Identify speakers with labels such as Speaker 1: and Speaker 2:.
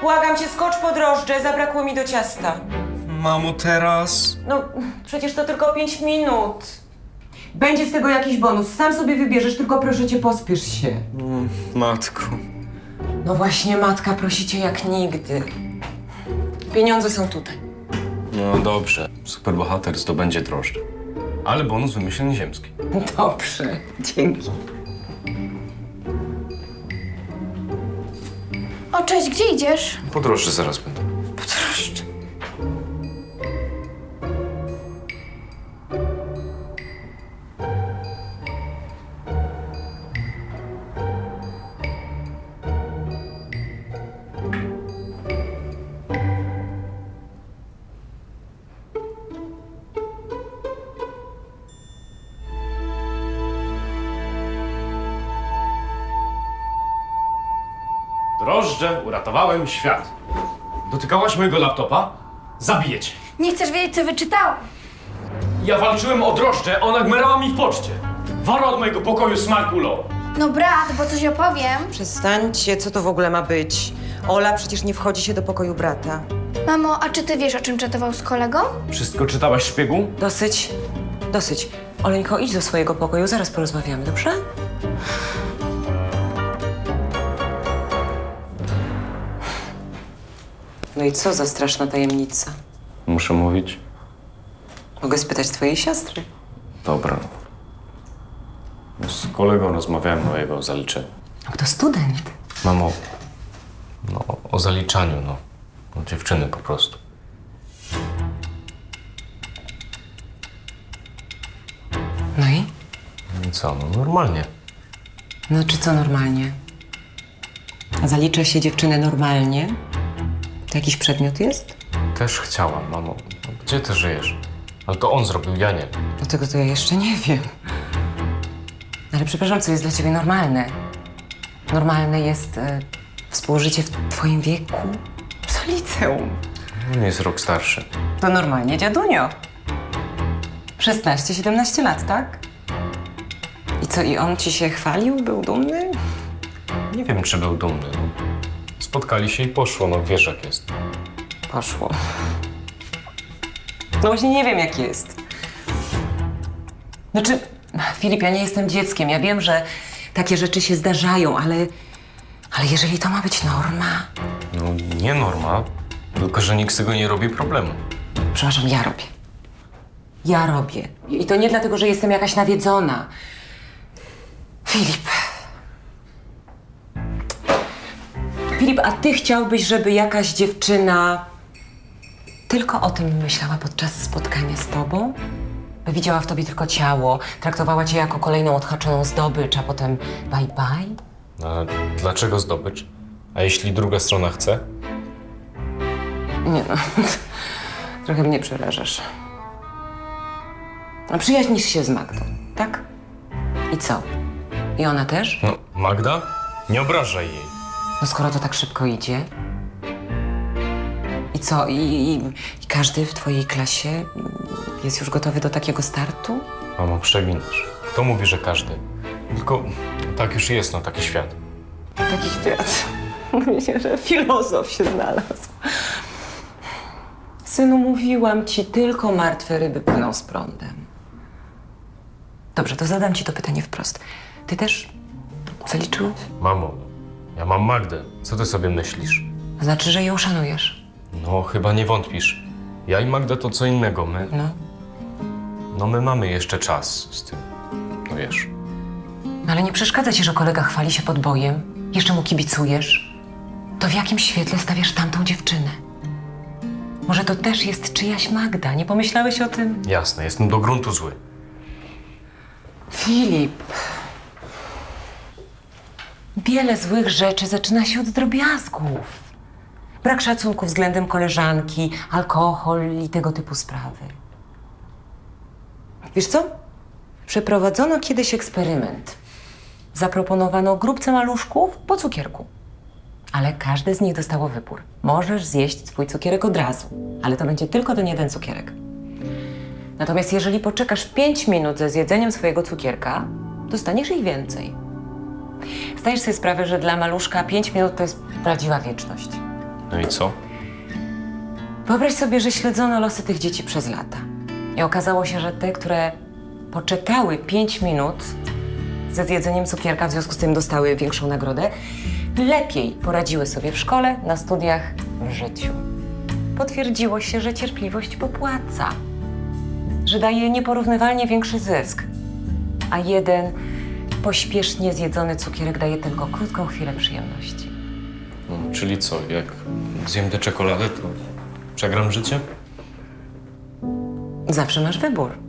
Speaker 1: błagam cię, skocz po drożdże, zabrakło mi do ciasta.
Speaker 2: Mamo, teraz?
Speaker 1: No, przecież to tylko 5 minut. Będzie z tego jakiś bonus, sam sobie wybierzesz, tylko proszę cię, pospiesz się.
Speaker 2: Matko.
Speaker 1: No właśnie, matka prosi cię jak nigdy. Pieniądze są tutaj.
Speaker 2: No dobrze. Superbohater zdobędzie drożdże. Ale bonus wymyśleń ziemski.
Speaker 1: Dobrze, dzięki.
Speaker 3: O, cześć, gdzie idziesz?
Speaker 2: Po drożdże zaraz będę.
Speaker 1: Proszę.
Speaker 4: Drożdże, uratowałem świat. Dotykałaś mojego laptopa? Zabiję cię.
Speaker 3: Nie chcesz wiedzieć, co wyczytałam?
Speaker 4: Ja walczyłem o drożdże, ona gmerała mi w poczcie. Wara od mojego pokoju smarkulo.
Speaker 3: No brat, bo coś opowiem.
Speaker 1: Przestańcie, co to w ogóle ma być? Ola przecież nie wchodzi się do pokoju brata.
Speaker 3: Mamo, a czy ty wiesz, o czym czatował z kolegą?
Speaker 4: Wszystko czytałaś, szpiegu?
Speaker 1: Dosyć, dosyć. Oleńko, idź do swojego pokoju, zaraz porozmawiamy, dobrze? No i co za straszna tajemnica?
Speaker 2: Muszę mówić?
Speaker 1: Mogę spytać twojej siostry.
Speaker 2: Dobra. Z kolegą rozmawiałem o jego zaliczeniu.
Speaker 1: No to student.
Speaker 2: Mamo, no o zaliczaniu, no. O dziewczyny po prostu.
Speaker 1: No i?
Speaker 2: I co, no normalnie.
Speaker 1: No czy co normalnie? A zalicza się dziewczynę normalnie? To jakiś przedmiot jest?
Speaker 2: Też chciałam, mamo. No, gdzie ty żyjesz? Ale to on zrobił, ja nie.
Speaker 1: No tego to ja jeszcze nie wiem. Ale przepraszam, co jest dla ciebie normalne? Normalne jest współżycie w twoim wieku? Co liceum?
Speaker 2: On jest rok starszy.
Speaker 1: To normalnie dziadunio. 16-17 lat, tak? I co, i on ci się chwalił? Był dumny?
Speaker 2: Nie wiem, czy był dumny. No. Spotkali się i poszło, no wiesz jak jest.
Speaker 1: Poszło. No właśnie nie wiem, jak jest. Znaczy, Filip, ja nie jestem dzieckiem. Ja wiem, że takie rzeczy się zdarzają, ale jeżeli to ma być norma...
Speaker 2: No nie norma, tylko że nikt z tego nie robi problemu.
Speaker 1: Przepraszam, ja robię. Ja robię. I to nie dlatego, że jestem jakaś nawiedzona. Filip. Filip, a ty chciałbyś, żeby jakaś dziewczyna tylko o tym myślała podczas spotkania z tobą? By widziała w tobie tylko ciało, traktowała cię jako kolejną odhaczoną zdobycz, a potem bye bye?
Speaker 2: A dlaczego zdobycz? A jeśli druga strona chce?
Speaker 1: Nie no, trochę mnie przerażasz. No, przyjaźnisz się z Magdą, tak? I co? I ona też?
Speaker 2: No, Magda? Nie obrażaj jej.
Speaker 1: No skoro to tak szybko idzie. I co? I każdy w twojej klasie jest już gotowy do takiego startu?
Speaker 2: Mamo, przeginasz. Kto mówi, że każdy? Tylko tak już jest, no taki świat.
Speaker 1: Taki świat. Myślę, że filozof się znalazł. Synu, mówiłam ci, tylko martwe ryby płyną z prądem. Dobrze, to zadam ci to pytanie wprost. Ty też zaliczyłeś?
Speaker 2: Mamo, ja mam Magdę. Co ty sobie myślisz?
Speaker 1: To znaczy, że ją szanujesz.
Speaker 2: No, chyba nie wątpisz. Ja i Magda to co innego. My mamy jeszcze czas z tym. No wiesz.
Speaker 1: Ale nie przeszkadza ci, że kolega chwali się podbojem? Jeszcze mu kibicujesz? To w jakim świetle stawiasz tamtą dziewczynę? Może to też jest czyjaś Magda? Nie pomyślałeś o tym?
Speaker 2: Jasne, jestem do gruntu zły.
Speaker 1: Filip. Wiele złych rzeczy zaczyna się od drobiazgów. Brak szacunku względem koleżanki, alkohol i tego typu sprawy. Wiesz co? Przeprowadzono kiedyś eksperyment. Zaproponowano grupce maluszków po cukierku. Ale każde z nich dostało wybór. Możesz zjeść swój cukierek od razu, ale to będzie tylko ten jeden cukierek. Natomiast jeżeli poczekasz 5 minut ze zjedzeniem swojego cukierka, dostaniesz ich więcej. Zdajesz sobie sprawę, że dla maluszka 5 minut to jest prawdziwa wieczność.
Speaker 2: No i co?
Speaker 1: Wyobraź sobie, że śledzono losy tych dzieci przez lata. I okazało się, że te, które poczekały 5 minut ze zjedzeniem cukierka, w związku z tym dostały większą nagrodę, lepiej poradziły sobie w szkole, na studiach, w życiu. Potwierdziło się, że cierpliwość popłaca, że daje nieporównywalnie większy zysk, a jeden pośpiesznie zjedzony cukierek daje tylko krótką chwilę przyjemności.
Speaker 2: No, czyli co, jak zjem tę czekoladę, to przegram życie?
Speaker 1: Zawsze masz wybór.